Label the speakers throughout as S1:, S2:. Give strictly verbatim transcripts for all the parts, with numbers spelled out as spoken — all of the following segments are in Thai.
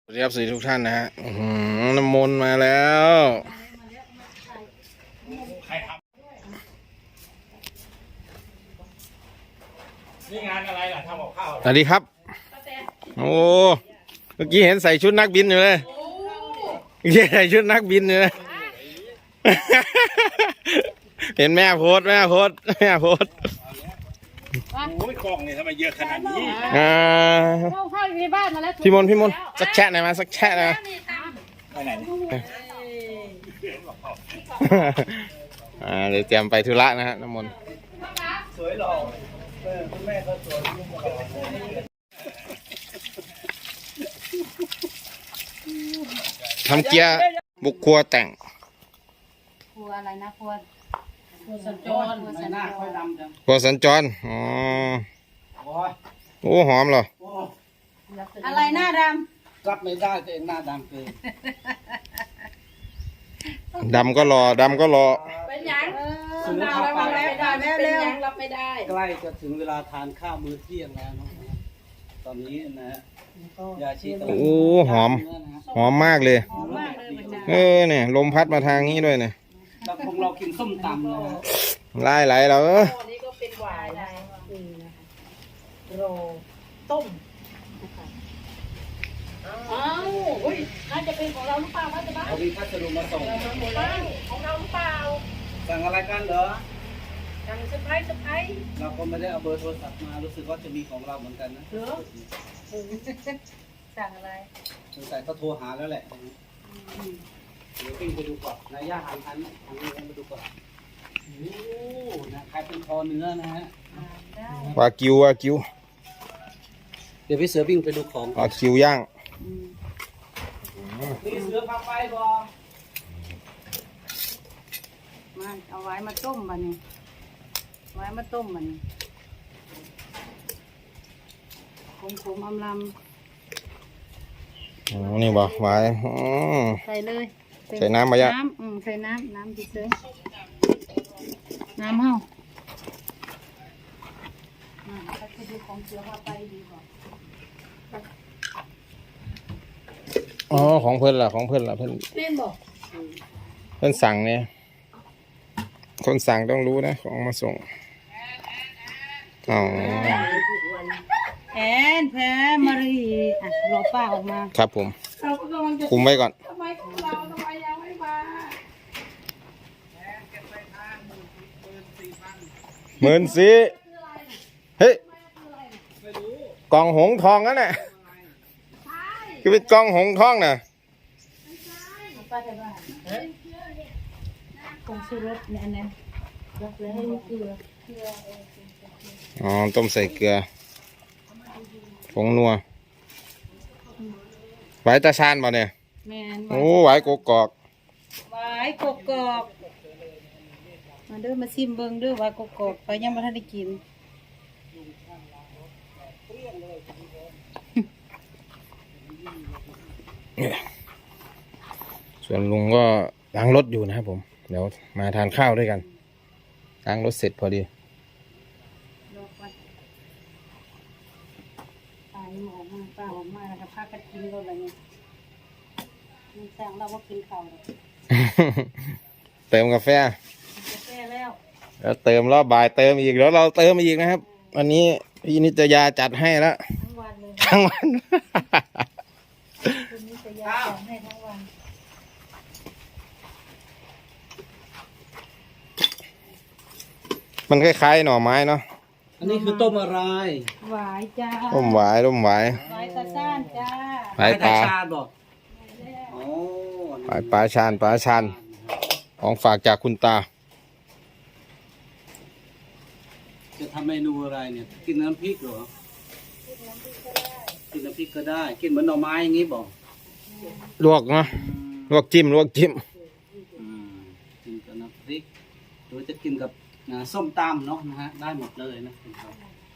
S1: สวัสดีครับสวัสดีทุกท่านนะฮะน้ำมนต์มาแล้ว
S2: นี่งานอะไรล่ะทำกับข้าว
S1: สวัสดีครับโอ้เมื่อกี้เห็นใส่ชุดนักบินอยู่เลยเมื่อกี้ใส่ชุดนักบินอยู่เลยเห็นแม่โพสแม่โพสแม่โพส
S2: โอ้ยกล่องเนี่ยทำไมเยอะขนาดนี้
S1: อ่า
S3: เข้าเข้าอยู่ในบ้านมาแล้ว
S1: พี่มนต์พี่มนต์สักแชะหน่อยมาสักแชะหน่อยมา
S2: ไปไหน
S1: อ่าเดี๋ยวเตรียมไปธุระนะฮะน้ำมนต์
S2: สวยหล่อเออคุณแม่ก็สวยลูกก็หล่อ
S1: ทำเกียร์บุกครัวแต่ง
S3: ครัวอะไรนะครัวครัวสัญจรครัวสัญ
S2: หน้า
S3: จ
S2: ค่อย
S3: ร
S2: ดำจัง
S1: ครัวสัญจรอ๋อ
S2: โอ้ย
S1: โอ้หอมเหรอ
S2: โอ้
S3: อะไรหน้าด
S2: รับไม่ได้ตัวเองหน้าดำเกิน
S1: ดำก็รอดำก็รอ
S3: ำเป็นยัง
S2: ซื้อข้าวไป
S3: เป็นยังรับไม่ได้
S2: ใกล้จะถึงเวลาทานข้าวมื้อเที่ยงแล้วนะตอนนี้นะฮะยาชี
S1: โอ้หอมหอมมากเลย
S3: หอมมากเลยมันจะ
S1: เออเนี่ยลมพัดมาทางนี้ด้วยเนี่ย
S2: เราคงเรากินส้มตำนะฮะ
S1: ไล่ไหลเราเออ
S3: อันนี้ก็เป็นหวายนะนี่นะคะโรต้มอ้าวเฮ้ยน่าจะเป็นของเราหรือเปล่าว่าจะบ้า
S2: เรามีพัสดุมาส่ง
S3: บ้านของเราหรือเปล่า
S2: สั่งอะไรกันเหรอ
S3: สั่งเซอร์ไพรส์เซอร์ไพรส์
S2: เราก็ไม่ได้เอาเบอร์โทรศัพท์มารู้สึกว่าจะมีของเราเหมือนกันนะ
S3: เหรอสั่งอะไร
S2: สงสัยเขาโทรหาแล้วแหละเดี๋ยวปิ้งไปดูก่อนนายย่าหันหันหันนี้มาดูก่อนโอ้นะใครเป็นคอเนื้อนะฮะ
S3: อ่าได้
S1: วากิววากิว
S2: เดี๋ยวพี่เสือปิ้งไปดูของ
S1: วากิวย่าง
S3: อืม
S2: พี่เสือพาไปก่อน
S3: มาเอาไว้มาต้มบันนี้ไว้มาต้มบันนี้ขมขมอำล
S1: อ๋อนี่บ่ไว้อ๋อ
S3: ำใส่เลย
S1: ใส่น้ำมาย่ะ
S3: น้ำอืมใส่น้ำน้ำดิเซอน้ำเฮาอ่าถ้าจะดูของเสือพาไปดีกว่า
S1: อ๋อของเพิ่นล่ะของเพิ่นล่ะเพิ่น
S3: เล่นบอก
S1: เพิ่นสั่งเนี่ยคนสั่งต้องรู้นะของมาส่งอ๋อ
S3: แอนแพรมารีอ่ะรอป้าออกมา
S1: ครับผม
S3: เราก็กำลังจะ
S1: คุมไว้ก่อน
S3: ทำไมของเราทำไมยังไม่มา
S1: หมื่นสี่เฮ้ยกล่องหงทองนั่นแหละคือเป็นกล่องหงทองน่ะ
S3: ป้าจะว่าคงซื้อรถเนี่ยอันนั้นรถเลยให้ลูกเกลือเกลือเออ
S1: อ๋อต้มใส่เกลือผงนัวไหวตาชานป่ะเนี่ย
S3: แม่น
S1: โอ้ไหวกกอก
S3: ไว้กกอกมาเด้อมาซิมเบิ่งเด้อไว้กกอกไปยังบ่ทันได้กิน
S1: ส่วนลุงก็ล้างรถอยู่นะครับผมเดี๋ยวมาทานข้าวด้วยกันล้างรถเสร็จพอดี
S3: รอก่อนป้ายังออกมาป้าออกมาแล้วก็พากันกินรถอะไรเนี่ยมันสั่งเราว่ากินข้าวเลย
S1: เติมกาแฟ
S3: กาแฟแล้ว
S1: แล้วเติมรอบบ่ายเติมอีกแล้วเราเติมอีกนะครับวันนี้พี่นิตยาจัดให้แล้ว
S3: ทั้งวันเลย
S1: ทั้งวัน
S3: คืนนี้จะยาวให้ทั้งวัน
S1: มันคล้ายๆหน่อไม้เนาะ
S2: อันนี้คือต้มอะไร
S3: หวายจ้า
S1: ร่มหวายร่มหวาย
S3: หวายตาซ่านจ้า
S1: หวายปลา
S2: ชาบอกโอ้
S1: หวายปลาชานปลาชานของฝากจากคุณตา
S2: จะทำเมนูอะไรเนี่ย กินน้ำพริกเหรอ กินน้ำพริกก็ได้ กินเหมือนหน่อไม้อย่างนี้บอก
S1: ลวกเนาะลวกจิ้มลวกจิ้ม
S2: อืมกินกับน้ำพริก หรือจะกินกับอ่าส้มตำเนาะนะฮะ ได้หมดเลยนะครับ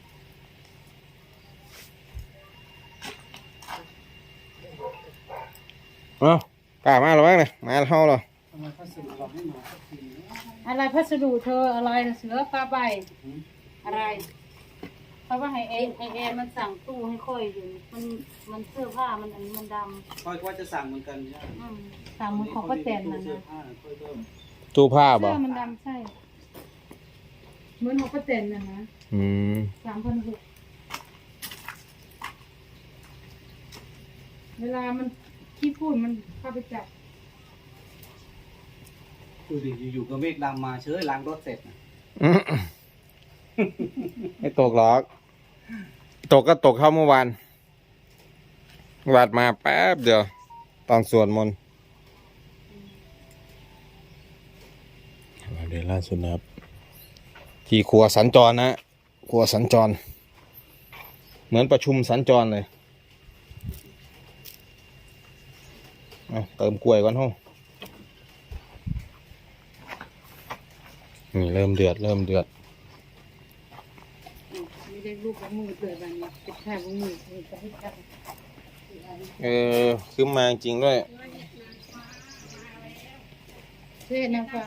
S1: เอ้ากล้ามาหรือมั้งเนี่ยมาเท่าเหรอ
S2: ทำไมเขาส่งเราให้มาสักทีนะ
S3: อะไรพัสดุเธออะไรเสือปลาใบอะไรเพราะว่าให้แอนให้แอนมันสั่งตู้ให้ค่อยอยู่มันมันเสื้อผ้ามันอันนี้มันด
S2: ค่อยว่าจะสั่งเหมือนกันใช่ไหม
S3: ำอืมสั่งเหมือนของป้าแตนนะ
S2: เสื้อ
S3: นะ
S2: ผ้าค่อยเพิ่ม
S1: ตู้ผ้าบ่
S3: เสื้อมันดำใช่เหมือนของป้าแตนนะนะ
S1: อืม
S3: สามพันหกเวลามันขี้พูดมันเข้าไปจับ
S2: ดูดิอยู่ๆก็เมฆดำมาเชยล้างรถเสร็จนะ
S1: อืมไม่ตกหรอก ตกก็ตกเข้าเมื่อวานวาดมาแป๊บเดียว ตอนสวดมนต์เดี๋ยวล่าสุดนะครับ ที่ครัวสัญจรนะครัวสัญจร เหมือนประชุมสัญจรเลยเอาเติมกล้วยก่อนห้องนี่เริ่มเดือดเริ่มเดือด
S3: ไม่ได้ลูกของมือเกิดแบบนี้เป็นแค่ของมือคือจะให้จับ
S1: เออขึ้นมาจริงด้วย
S3: เชื่อนะฟ้า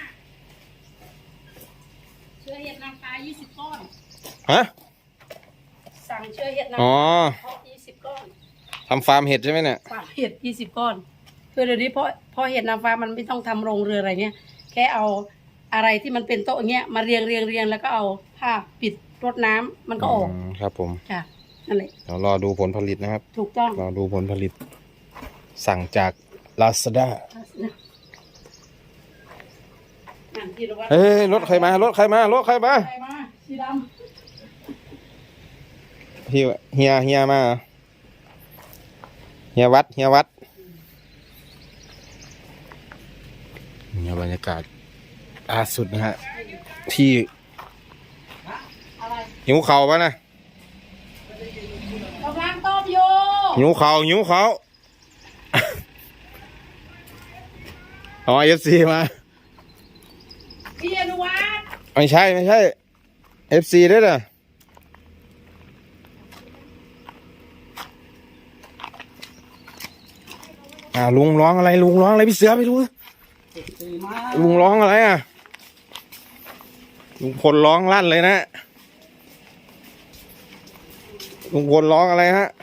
S4: เชื้อเห็ดนางฟ้ายี่สิบก้อน
S1: ฮะ
S4: สั่งเชื้อเห็ดนาง
S1: อ๋อ
S4: ฟ้ายี่สิบก้อน
S1: ทำฟาร์มเห็ดใช่ไหมเนี่ย
S4: ฟาร์มเห็ดยี่สิบก้อนคือเดี๋ยวนี้เพราะเพราะเห็ดนางฟ้ามันไม่ต้องทำโรงเรืออะไรเงี้ยแค่เอาอะไรที่มันเป็นโต๊ะเงี้ยมาเรียงเรียงเรียงแล้วก็เอาผ้าปิดรดน้ำมันก็ออก
S1: มครับผม
S4: จ้ะนั่นแหละ
S1: เดี๋ยวรอดูผลผลิตนะครับ
S4: ถูกต้อง
S1: รอดูผลผลิต สั่งจาก Lazada
S4: อ่านที่เราว่า
S1: เฮ้ยรถใครมารถใครมารถใครมา
S4: ใครมาสีด
S1: พี่เฮียเฮียมาเหรอเฮียวัดเฮียวัดเนี่ยบรรยากาศล่าสุดนะฮะที่
S4: ำอะไร
S1: หิวเข่าปะนะ
S4: กำลังต้มอยู่
S1: หิวเข่าหิวเข่า อ๋อเอฟซีมา
S4: พี่อนุวัฒน์
S1: ไม่ใช่ไม่ใช่เอฟซีด้วยนะอ่าลุงร้องอะไรลุงร้องอะไรพี่เสือไปดู
S2: ดีมาก
S1: ลุงร้องอะไรอ่ะลุงพลร้องลั่นเลยนะลุงพลร้องอะไรฮะ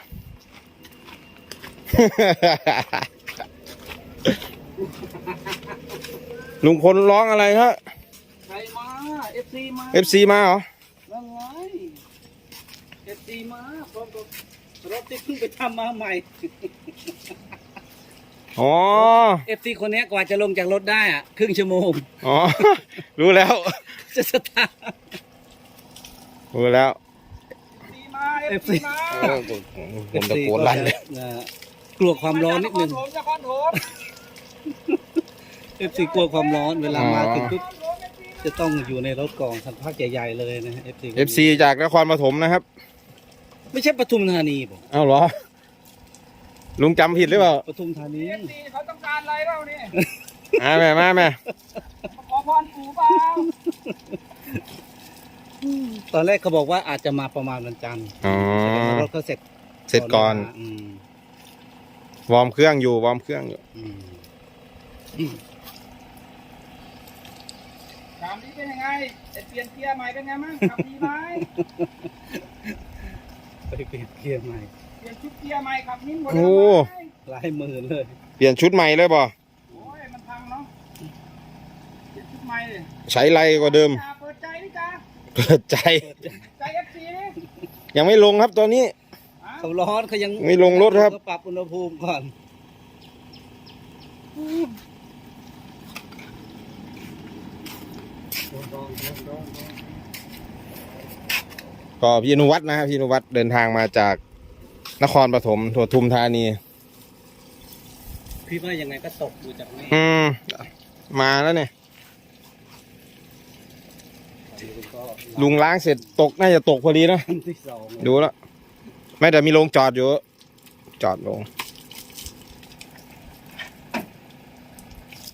S1: ลุงพลร้องอะไรฮะ
S2: ใครมาเอฟซีมา
S1: เอฟซีมาเหรอ
S2: แล้วไงเอฟซีมาพร้อมกับรถที่เพิ่งไปทำมาใหม่
S1: อ๋อ
S2: เอฟซีคนนี้กว่าจะลงจากรถได้อะครึ่งชั่วโมง
S1: อ๋อ รู้แล้ว
S2: จะสตาร์ท
S1: รู้แล้ว
S2: เอฟซีมา
S1: เออผมตะโกนลั่นเลย
S2: กลัวความร้อนนิดนึงเอฟซีกลัวความร้อนเวลามาถึงปุ๊บจะต้องอยู่ในรถกองสักพักใหญ่ๆเลยนะเอฟซี
S1: เอฟซีจากนครปฐมนะครับ
S2: ไม่ใช่ปทุมธานีผม
S1: เอ้าเหรอ ลุงจำผิดหรือเปล่า
S2: ปทุมธานี
S5: เขาต้องการอะไรเปล่านี่
S1: มาแม่มาแม่
S5: ขอพรปู่เปล่า
S2: ตอนแรกเขาบอกว่าอาจจะมาประมาณวันจันทร์
S1: อ๋อ
S2: แสดงว่ารถเขาเสร็จ
S1: เสร็จก่อน
S2: อืม
S1: วอร์มเครื่องอยู่ วอร์มเครื่องอยู่
S2: อืม
S5: ถามนี้เป็นยังไงไอ้เปลี่ยนเกียร์ใหม่เป็นไงมั้งขับดีไหม
S2: ไปเปลี่ยนเกียร์ใหม่
S5: เปลี่ยนชุดเกียร์ใหม่ขับนิ่มกว่า
S1: โอ้
S5: เดิมไหม
S2: หลายหมื่นเลย
S1: เปลี่ยนชุดใหม่เลยบ่
S5: โอ้ยมันพังเนาะเปลี่ยนชุดใหม่เลย
S1: ใช้ไรกว่าเดิม
S5: จ้าเปิดใจนี่จ้า
S1: เปิดใจ
S5: ใจเอฟซีนี่
S1: ยังไม่ลงครับตอนนี้
S2: เขาร้อนเขายัง
S1: ไม่ลงรถครับ
S2: เขาปรับอุณหภูมิก่อน
S1: ก็พี่อนุวัฒน์นะครับพี่อนุวัฒน์เดินทางมาจากนครปฐมปทุมธานี
S2: พี่ว่ายังไงก็ตกดูจากนี้
S1: อืม มาแล้วเนี่ย
S2: ก็
S1: ลุงล้างเสร็จตกน่าจะตกพอดีเนอะ
S2: ที่สอง
S1: ดูแล้ว ไม่แต่มีโรงจอดอยู่ จอดลง